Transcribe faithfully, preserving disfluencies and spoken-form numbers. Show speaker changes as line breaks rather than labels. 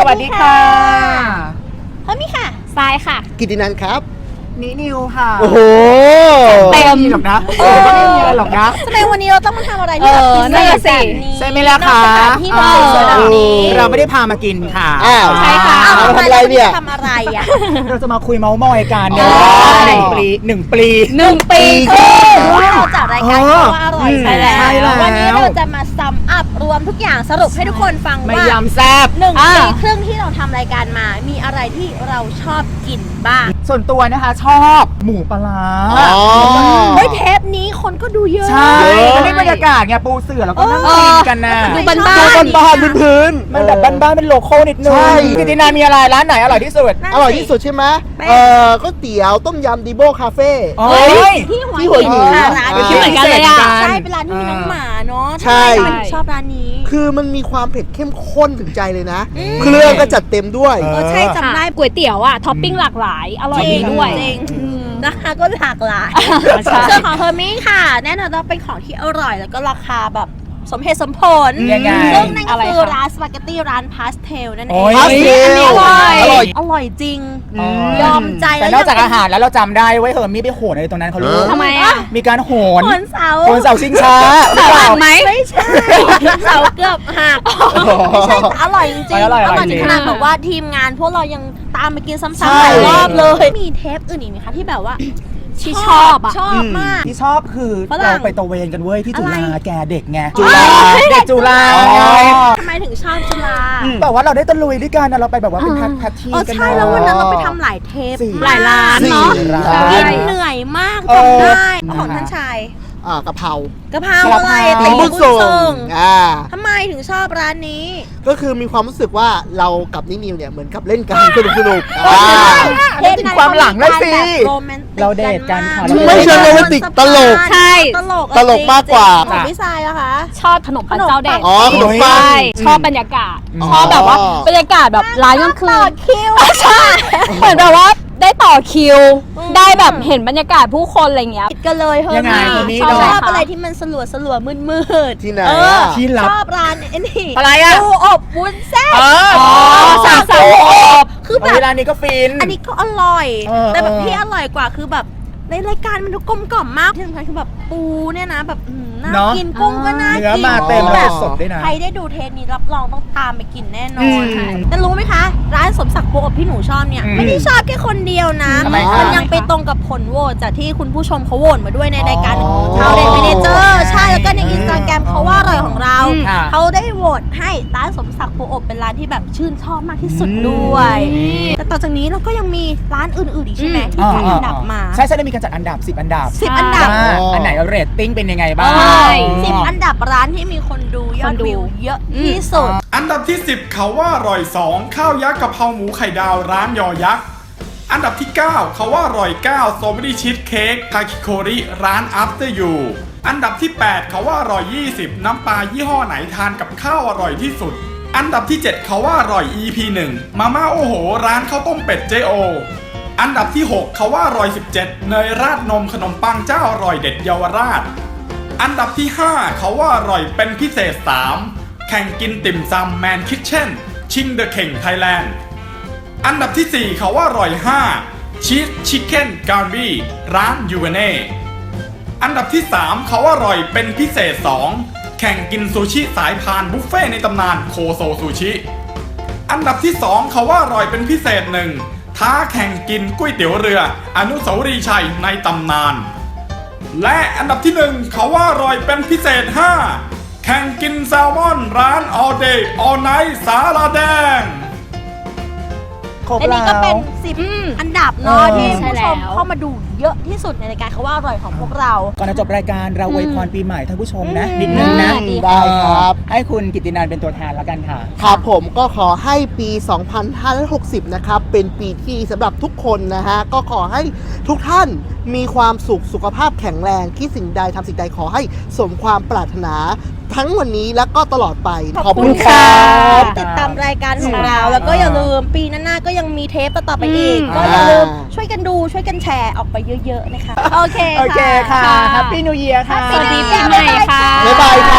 วัสดีค่ะ
เฮ้ยมีค่ะ
ทรายค่ะ
กิตตินันท์ครับ
นินิวค่ะ
โอ้โห
เต็มหรอกนะเออไม่มีอะไรหรอกนะ
ทำไมวันนี้เราต้องมาทำอะไรที่แบบพิเศษแบบนี้
ใช่ไหมล่ะคะ
ที่แบบสวยแบบนี้
เราไม่ได้พามากินค่ะ
อ้าว
ใช่ค่ะ
ทำอะไรเนี่ย
ทำอะไรอ่ะ
เราจะมาคุยเมาส์มอยกันเนี่ยหนึ่งปีหนึ่งปี
หนึ่งปี
เราจัดรายการว่าอร่อย
ใช่แล้ว
วันนี้เราจะมาซัมอัพรวมทุกอย่างสรุปให้ทุกคนฟังว่า
ไม่ยำแซ่บ
หนึ่งปีครึ่งที่เราทำรายการมามีอะไรที่เราชอบกินบ้าง
ส่วนตัวนะคะชอบหมูปลาร้า
เฮ้ยเทปนี้คนก็ดูเยอะ
ใช่มันได้บรรยากาศไงปูเสือแล้วก็นั่งกินกันนะ
ดูบ้านบ้า
ดูบ้านๆพื้น
มันแบบบ้านๆเป็นโลโก้นิดนึงกิตตินามีอะไรร้านไหนอร่อยที่สุด
อร่อยที่สุดใช่ไหมเออก๋วยเตี๋ยวต้มยำดีโบคาเฟ่
ที่หัวหินร้าน
ที่เหมือนกันเลยอ่ะ
ใช่เป็นร้านที่มีน้องหมาเนาะ
ใช่
ชอบร้านนี้
คือมันมีความเผ็ดเข้มข้นถึงใจเลยนะเครื่องก็จัดเต็มด้วย
เออใช่จำได้
ก๋วยเตี๋ยวอ่ะท็อปปิ้งหลากหลายอร่อยด้วย
จริงนะคะก็หลากหลายส่วนของเฮอร์มี่ค่ะแน่นอนว่าเป็นของที่อร่อยแล้วก็ราคาแบบสมเหตุสมผลซึ่งนั่นก็คือร้านสปาเกตตี้ร้านพาสเทลนั่นเอง
พาสเทล
อร่อยอร่อยจริงยอมใจ
แต่นอกจากอาหารแล้วเราจำได้ไว้เฮอร์มี่ไปโหนอะไรตรงนั้นเขารู้
ทำไมอ่ะ
มีการโหน
โหนเสา
โหนเสาชิงช้า
เสาหักไหม
ไม่ใช่เสาเกือบหักไม่ใช่อร่อยจริงๆอร่อยถึงขนาดแบบว่าทีมงานพวกเรายังตามไปกินซ้ำๆหลายรอบเลยมีเทปอื่นอีกไหมคะที่แบบว่า
ที่ชอบอ่ะ
ชอบมาก
ที่ชอบคือเราไปตะเวนกันเว้ยที่จุฬาแกเด็กไง
จุฬา
เด็กจุฬา
ทำไมถึงชอบจุฬา
แบบว่าเราได้ตะลุยด้วยกันเราไปแบบว่าเป็นแพททีกัน
ใช่แล้ววันนั้นเราไปทำหลายเทป
หลายร้านเนาะ
กินเหนื่อยมากจำได้ของท่านชาย
อ่ากะเพราก
ะเพราอะไร
ติ่งบุญส่งอ่า
ทำไมถึงชอบร้านนี้
ก็คือมีความรู้สึกว่าเรากับนินิวเนี่ยเหมือนกับเล่นกันสนุกสนุก
เล่นความหลังเลยสิเราเดทกันค่ะ
ไม่เชิงโรแมนติกตลก
ใช่
ตลก
ตลกมากกว่า
ของพี่ทรายอะคะ
ชอบขนมปังเจ้าเด็ด
อ๋อขนมปัง
ชอบบรรยากาศชอบแบบว่าบรรยากาศแบบร้านกลางคืน
ต่อคิว
ใช่เหมือนแบบว่าได้ต่อคิวได้แบบเห็นบรรยากาศผู้คนอะไรเงี้ย
กันเลยเฮ้ยชอบอะไรที่มันสลัวสลัวมืดมืด
ที่ไหน
ที่ลับ
ชอบร้านนี่
อะไรอะ
ปูอบวุ้นเส้น
อ๋อ
สาวสาวอบ
คือแบบ
ร้านนี้ก็ฟิน
อันนี้ก็อร่อยแต่แบบที่อร่อยกว่าคือแบบในรายการมันดูกลมกล่อมมากที่สำคัญคือแบบปูเนี่ยนะแบบน่ากินกุ้งก็น่ากิน
เนื้อมาเต็มแบบสดด้วยนะ
ใครได้ดูเทปนี้รับรองต้องตามไปกินแน่นอนแต่รู้ไหมคะร้านสมศักดิ์ปูอบที่หนูชอบเนี่ยไม่ได้ชอบแค่คนเดียวนะมันยังไปตรงกับผลโหวตจากที่คุณผู้ชมเขาโหวตมาด้วยในรายการชาวเด็ดเมเนเจอร์ใช่แล้วก็ในอินสตาแกรมเขาว่าอร่อยของเราเขาได้โหวตให้ร้านสมศักดิ์ปูอบเป็นร้านที่แบบชื่นชอบมากที่สุดด้วยแต่ต่อจากนี้เราก็ยังมีร้านอื่นๆอีกใช่ไหมที่จัดอันดับมา
ใช่ใช่ได้มีการจัดอันดับสิบอันดับ
สิบอันดับ
อันไหนเรตติ้งเป็นยังไงบ้าง
สิบอันดับร้านที่มีคนดูยอดวิวเยอะที่สุด
อันดับที่สิบเขาว่าอร่อยสองข้าวยักษ์กะเพราหมูไข่ดาวร้านยอยักษ์อันดับที่เก้าเขาว่าอร่อยเก้าโซมิดิชีสเค้กทาคิโคริร้าน After You อันดับที่แปดเขาว่าอร่อยยี่สิบน้ำปลายี่ห้อไหนทานกับข้าวอร่อยที่สุดอันดับที่เจ็ดเขาว่าอร่อย อี พี หนึ่งมาม่าโอโหร้านข้าวต้มเป็ดเจโออันดับที่หกเขาว่าอร่อยสิบเจ็ดเนยราดนมขนมปังเจ้าอร่อยเด็ดเยาวราชอันดับที่ห้าเขาว่าอร่อยเป็นพิเศษสามแข่งกินติ่มซำแมนคิทเช่นชิงเดอะเข่งไทยแลนด์อันดับที่สี่เขาว่าอร่อยห้าชีสชิคเก้นการ์บี้ร้านยูเวเน่อันดับที่สามเขาว่าอร่อยเป็นพิเศษสองแข่งกินซูชิสายพานบุฟเฟ่ในตำนานโคโซซูชิอันดับที่สองเขาว่าอร่อยเป็นพิเศษหนึ่งท้าแข่งกินก๋วยเตี๋ยวเรืออนุสาวรีย์ชัยในตำนานและอันดับที่หนึ่งเขาว่าอร่อยเป็นพิเศษห้าแข่งกินแซลมอนร้าน all day all night สาลาแดง
และนี่ก็เป็นสิบอันดับเนาะที่ผู้ชมเข้ามาดูเยอะที่สุดในรายการเขาว่าอร่อยของพวกเรา
ก่อนจะจบรายการเราอวยพรปีใหม่ท่านผู้ชมนะนิดนึงนะ
ได้ครับ
ให้คุณกิตตินันท์เป็นตัวแทนแล้วกันค่ะ
ครับผมก็ขอให้ปี สองพันห้าร้อยหกสิบ นะครับเป็นปีที่สำหรับทุกคนนะฮะก็ขอให้ทุกท่านมีความสุขสุขภาพแข็งแรงคิดสิ่งใดทำสิ่งใดขอให้สมความปรารถนาทั้งวันนี้และก็ตลอดไป
ขอบคุณครับติดตามรายการของเราแล้วก็อย่าลืมปีหน้าก็ยังมีเทปต่อไปอีกก็อย่าลืมช่วยกันดูช่วยกันแชร์ออกไปเยอะๆนะคะโอเค
โอเคค่ะแฮปปี้นิวเยียร์ค่ะ
สวัสดีปีใหม่ค่ะ
บ๊ายบายค่ะ